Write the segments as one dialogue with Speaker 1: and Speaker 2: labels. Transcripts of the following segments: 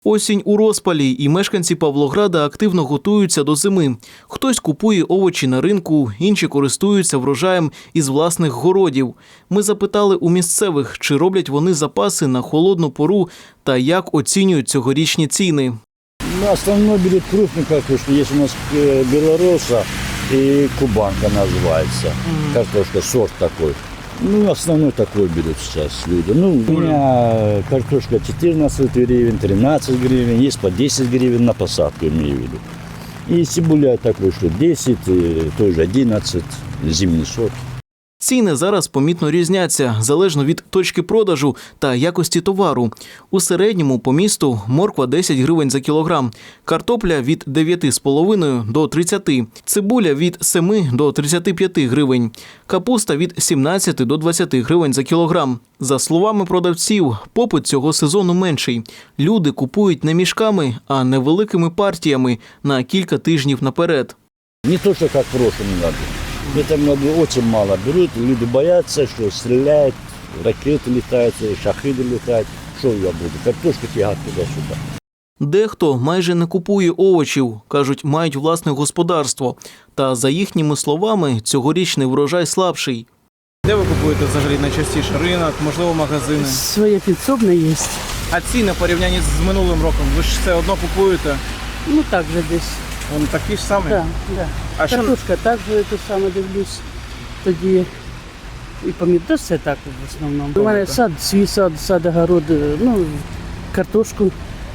Speaker 1: Осінь у розпалі, і мешканці Павлограда активно готуються до зими. Хтось купує овочі на ринку, інші користуються врожаєм із власних городів. Ми запитали у місцевих, чи роблять вони запаси на холодну пору та як оцінюють цьогорічні ціни.
Speaker 2: Ну, основной берет крупную картошку. Есть у нас белороса и кубанка называется. Картошка, сорт такой. Ну, основной такой берут сейчас люди. Ну, у меня картошка 14 гривен, 13 гривен, есть по 10 гривен на посадку, имею в виду. И цибуля такой, что 10, тоже 11, зимний сорт.
Speaker 1: Ціни зараз помітно різняться, залежно від точки продажу та якості товару. У середньому по місту морква 10 гривень за кілограм, картопля від 9,5 до 30, цибуля від 7 до 35 гривень, капуста від 17 до 20 гривень за кілограм. За словами продавців, попит цього сезону менший. Люди купують не мішками, а невеликими партіями на кілька тижнів наперед.
Speaker 2: Не то, что как в прошлом году. В этом году очень мало берут, люди боятся, что стреляют, ракеты летают, шахиды летают. Что я буду? Картошку тягать туда-сюда.
Speaker 1: Дехто майже не купує овочів, кажуть, мають власне господарство. Та, за їхніми словами, цьогорічний врожай слабший.
Speaker 3: Де ви купуєте взагалі найчастіше? Ринок, можливо, магазини?
Speaker 4: Своє підсобне є.
Speaker 3: А ціни в порівнянні з минулим роком? Ви ж все одно купуєте?
Speaker 4: Ну так же десь.
Speaker 3: Вони такі ж самі?
Speaker 4: Да, да.
Speaker 3: А що-
Speaker 4: Картошка так же те саме дивлюсь. Тоді і помідор все так в основному. У мене сад, свій сад, огород, ну, картошку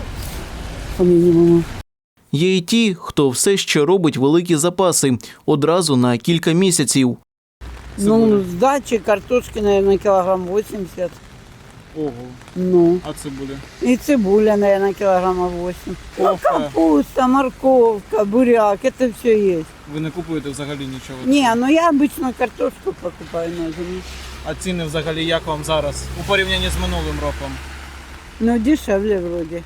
Speaker 4: по мінімуму.
Speaker 1: Є й ті, хто все ще робить великі запаси одразу на кілька місяців.
Speaker 5: Ну, с дачи картошки, наверное, килограмм 80.
Speaker 3: Ого.
Speaker 5: Ну,
Speaker 3: А цибуля?
Speaker 5: и цибуля, наверное, килограмма 8. Ну,
Speaker 3: Кофе.
Speaker 5: капуста, морковка, буряк, это все есть.
Speaker 3: Ви не купуєте взагалі нічого?
Speaker 5: Не, ну я обычно картошку покупаю на зиму.
Speaker 3: А ціни взагалі як вам зараз? У порівнянні з минулим роком?
Speaker 5: Ну, дешевле вроде.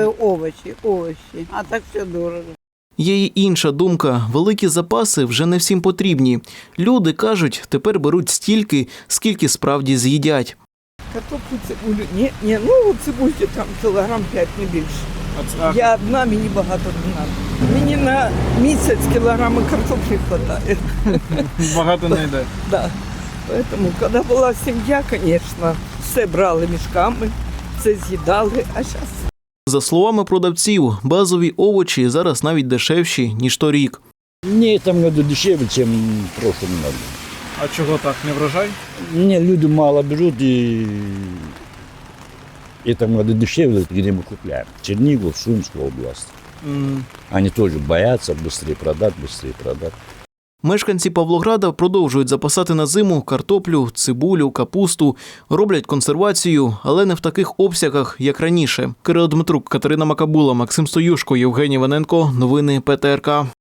Speaker 5: Овощи. А так все дорого.
Speaker 1: Є й інша думка – великі запаси вже не всім потрібні. Люди, кажуть, тепер беруть стільки, скільки справді з'їдять.
Speaker 6: Картоплю, цибулю. Ні, ну цибульки там кілограм 5, не більше.
Speaker 3: А
Speaker 6: Я одна, мені багато не треба. Мені на місяць кілограми картоплі вистачає.
Speaker 3: багато не йде.
Speaker 6: Да. Поэтому, коли була сім'я, звісно, все брали мішками, все з'їдали, а зараз
Speaker 1: За словами продавців, базові овочі зараз навіть дешевші, ніж торік.
Speaker 2: Не, в этом году дешевле, чем в прошлом году.
Speaker 3: А чого так, не врожай?
Speaker 2: Не, люди мало берут, и в этом году дешевле, где мы купляем. Чернигов, Сумская область. Они тоже боятся быстрее продать.
Speaker 1: Мешканці Павлограда продовжують запасати на зиму картоплю, цибулю, капусту, роблять консервацію, але не в таких обсягах, як раніше. Кирило Дмитрук, Катерина Макабула, Максим Стоюшко, Євгеній Ваненко. Новини ПТРК.